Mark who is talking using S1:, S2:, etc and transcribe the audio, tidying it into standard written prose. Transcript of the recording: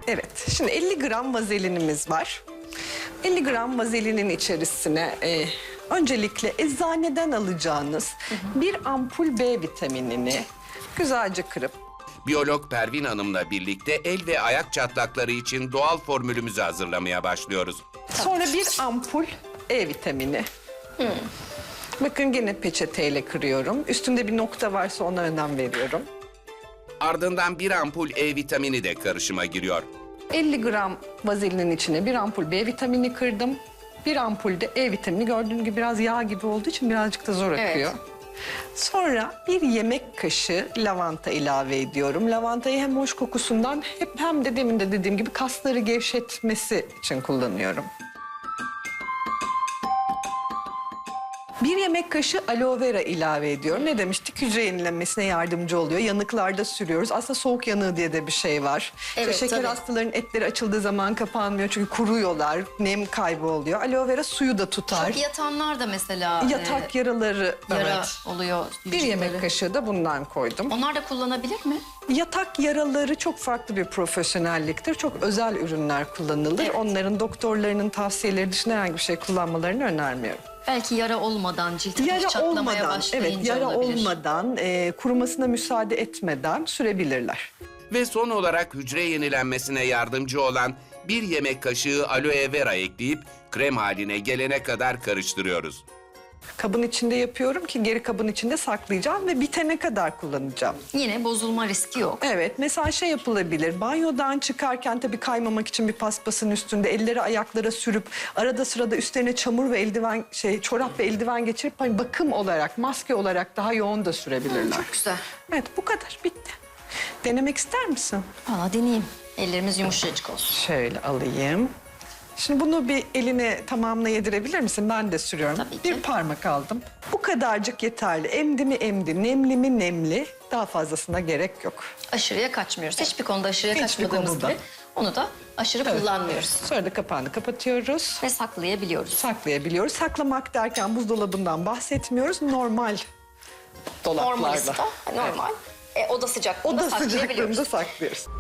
S1: Evet, şimdi 50 gram vazelinimiz var. 50 gram vazelinin içerisine öncelikle eczaneden alacağınız bir ampul B vitaminini güzelce kırıp...
S2: Biyolog Pervin Hanım'la birlikte el ve ayak çatlakları için doğal formülümüzü hazırlamaya başlıyoruz.
S1: Sonra bir ampul E vitamini. Bakın gene peçeteyle kırıyorum. Üstünde bir nokta varsa ona önem veriyorum.
S2: Ardından bir ampul E vitamini de karışıma giriyor.
S1: 50 gram vazelinin içine bir ampul B vitamini kırdım. Bir ampul de E vitamini, gördüğünüz gibi biraz yağ gibi olduğu için birazcık da zor akıyor. Sonra bir yemek kaşığı lavanta ilave ediyorum. Lavantayı hem hoş kokusundan hem de demin de dediğim gibi kasları gevşetmesi için kullanıyorum. Bir yemek kaşığı aloe vera ilave ediyorum. Ne demiştik? Hücre yenilenmesine yardımcı oluyor. Yanıklarda sürüyoruz. Aslında soğuk yanığı diye de bir şey var.
S3: Evet,
S1: şeker
S3: tabii.
S1: hastalarının etleri açıldığı zaman kapanmıyor. Çünkü kuruyorlar. Nem kaybı oluyor. Aloe vera suyu da tutar.
S3: Çok yatanlar da mesela
S1: Yatak yaraları,
S3: yara
S1: evet.
S3: oluyor.
S1: Bir
S3: vücutları.
S1: yemek kaşığı da bundan koydum.
S3: Onlar da kullanabilir mi?
S1: Yatak yaraları çok farklı bir profesyonelliktir. Çok özel ürünler kullanılır.
S3: Evet.
S1: Onların doktorlarının tavsiyeleri dışında herhangi bir şey kullanmalarını önermiyorum.
S3: Belki yara olmadan, cilt
S1: Yara
S3: çatlamaya
S1: olmadan,
S3: başlayınca
S1: evet, yara
S3: olabilir.
S1: olmadan, kurumasına müsaade etmeden sürebilirler.
S2: Ve son olarak hücre yenilenmesine yardımcı olan bir yemek kaşığı aloe vera ekleyip krem haline gelene kadar karıştırıyoruz.
S1: Kabın içinde yapıyorum ki geri kabın içinde saklayacağım ve bitene kadar kullanacağım.
S3: Yine bozulma riski yok.
S1: Evet, mesela şey yapılabilir. Banyodan çıkarken tabii kaymamak için bir paspasın üstünde elleri ayaklara sürüp arada sırada üstlerine çamur ve eldiven, çorap ve eldiven geçirip hani bakım olarak, maske olarak daha yoğun da sürebilirler.
S3: Çok güzel.
S1: Evet, bu kadar, bitti. Denemek ister misin?
S3: Valla deneyeyim. Ellerimiz yumuşacık olsun.
S1: Şöyle alayım. Şimdi bunu bir eline tamamına yedirebilir misin? Ben de sürüyorum.
S3: Tabii ki.
S1: Bir parmak aldım. Bu kadarcık yeterli. Emdi mi emdi, nemli mi nemli. Daha fazlasına gerek yok.
S3: Aşırıya kaçmıyoruz. Hiçbir konuda aşırıya
S1: Hiçbir
S3: kaçmadığımız
S1: konuda.
S3: gibi onu da aşırı kullanmıyoruz.
S1: Sonra da kapağını kapatıyoruz.
S3: Ve saklayabiliyoruz.
S1: Saklayabiliyoruz. Saklamak derken buzdolabından bahsetmiyoruz. Normal dolaplarda.
S3: Normal ısı da normal. Oda sıcaklığında
S1: Oda
S3: saklayabiliyoruz.
S1: sıcaklığında saklıyoruz.